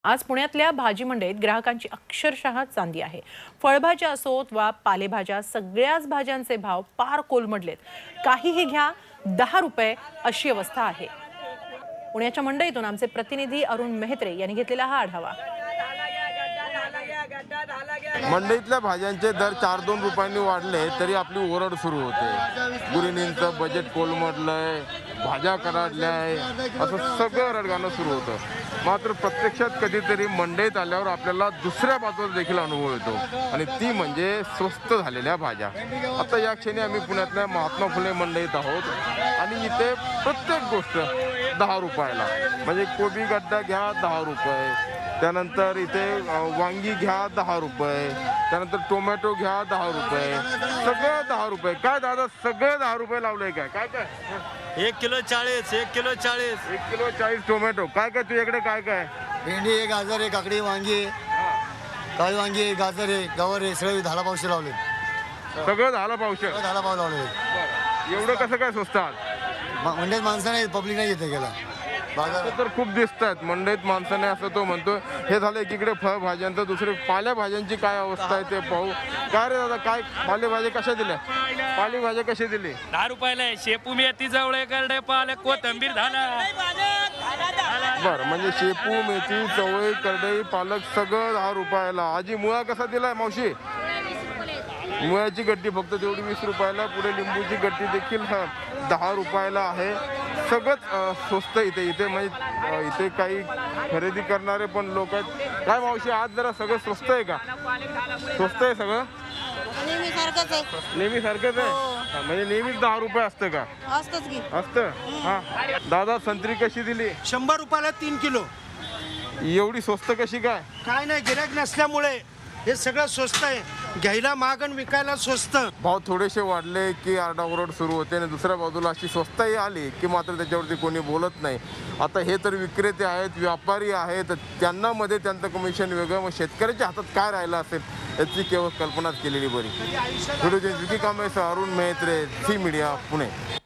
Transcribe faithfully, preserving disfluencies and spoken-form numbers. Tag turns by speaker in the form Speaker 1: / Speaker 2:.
Speaker 1: आज पुण्यातल्या भाजी मंडईत ग्राहकांची अक्षरशः चांदी आहे। फळभाज्या असोत वा पालेभाज्या सगळ्याच भाज्यांचे भाव पार कोलमडलेत। काहीही घ्या दहा रुपये अशी अवस्था आहे। पुण्याच्या मंडईतून आमचे प्रतिनिधी अरुण मेहत्रे यांनी घेतलेला हा आढावा।
Speaker 2: मंडईतल्या भाज्यांचे दर चार दोन रुपयांनी वाढले तरी आपली ओरड सुरू होते। गृहिणींचं बजेट कोलमडलंय, भाज्या कराडल्याय, असं सगळं रडगाणं सुरू होतं। मात्र प्रत्यक्षात कधीतरी मंडईत आल्यावर आपल्याला दुसऱ्या बाजूला देखील अनुभव येतो आणि ती म्हणजे स्वस्त झालेल्या भाज्या। आता या क्षणी आम्ही पुण्यातल्या महात्मा फुले मंडईत आहोत आणि इथे प्रत्येक गोष्ट दहा रुपयाला, म्हणजे कोबी गड्डा घ्या दहा रुपये, त्यानंतर इथे वांगी घ्या दहा रुपये, त्यानंतर टोमॅटो घ्या दहा रुपये, सगळं दहा रुपये। काय दादा सगळं दहा रुपये लावलंय काय काय काय
Speaker 3: एक किलो चाळीस, एक किलो चाळीस,
Speaker 2: एक किलो चाळीस टोमॅटो। काय काय तुझ्याकडे काय काय?
Speaker 4: भेंडी आहे, गाजर आहे, काकडी, वांगी आहे, काळी वांगी आहे, गाजर आहे, गवार आहे, सगळे दहाला पावशे लावले।
Speaker 2: सगळं झालं पावशे
Speaker 4: दहाला पाव लावले।
Speaker 2: एवढं कसं काय स्वस्त आहात?
Speaker 4: मंडईत माणसं नाही, पब्लिक नाही येते गेला बाजार
Speaker 2: तर खूप दिसत आहेत मंडईत माणसाने, असं तो म्हणतो। हे झालं एकीकडे फळभाज्यांचं, दुसरे पालेभाज्यांची काय अवस्था आहे ते पाहू। काय रे दादा काय पालेभाज्या कशा दिल्या? पालेभाज्या कशी दिली?
Speaker 5: दहा रुपयाला आहे। शेपू मेथी, जवळे, करडे, पालक, कोथिंबीर झाला।
Speaker 2: बरं, म्हणजे शेपू, मेथी, चवळी, करडई, पालक सगळं दहा रुपयाला। आजी मुळा कसा दिलाय मावशी? मुळ्याची गड्डी फक्त तेवढी वीस रुपयाला। पुढे लिंबूची गड्डी देखील दहा रुपयाला आहे। सगळंच स्वस्त इथे इथे म्हणजे इथे काही खरेदी करणारे पण लोक आहेत। काय मावशी आज जरा सगळं स्वस्त आहे का? स्वस्त आहे सगळं?
Speaker 6: नेहमी सारखंच आहे।
Speaker 2: नेहमी सारखंच आहे? हा, म्हणजे नेहमीच दहा रुपये असतं का?
Speaker 6: असतंच की
Speaker 2: असतं। हा दादा संत्री कशी दिली?
Speaker 7: शंभर रुपयाला तीन किलो।
Speaker 2: एवढी स्वस्त कशी काय?
Speaker 7: काय नाही, गिऱ्हाईक नसल्यामुळे हे सगळं स्वस्त आहे। घ्यायला महाग आणि विकायला स्वस्त।
Speaker 2: भाव थोडेसे वाढले की आरडाओरड सुरू होते आणि दुसऱ्या बाजूला अशी स्वस्ताही आली की मात्र त्याच्यावरती कोणी बोलत नाही। आता हे तर विक्रेते आहेत, व्यापारी आहेत, त्यांना मध्ये त्यांचं कमिशन वेगळं, मग शेतकऱ्याच्या हातात काय राहिलं असेल याची केवळ कल्पनाच केलेली बरी। Video journalist Vicky Kamble, Arun Mehtre, Zee media, Pune.